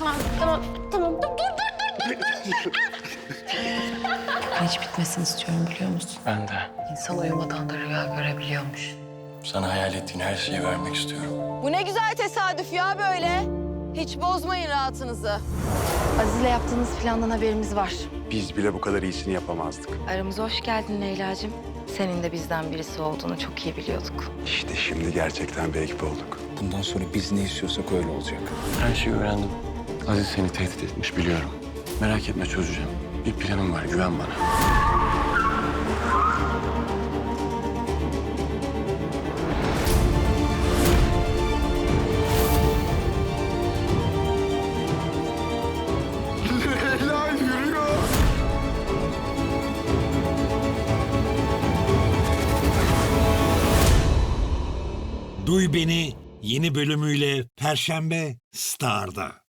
Tamam. Dur. Hiç bitmesini istiyorum biliyor musun? Ben de. İnsan uyumadan da rüya görebiliyormuş. Sana hayal ettiğin her şeyi vermek istiyorum. Bu ne güzel tesadüf ya böyle. Hiç bozmayın rahatınızı. Aziz'le yaptığınız plandan haberimiz var. Biz bile bu kadar iyisini yapamazdık. Aramıza hoş geldin Leyla'cığım. Senin de bizden birisi olduğunu çok iyi biliyorduk. İşte şimdi gerçekten bir ekip olduk. Bundan sonra biz ne istiyorsak öyle olacak. Her şeyi öğrendim. Aziz seni tehdit etmiş biliyorum. Merak etme çözeceğim. Bir planım var güven bana. Leyla yürüyor. Duy Beni yeni bölümüyle Perşembe Star'da.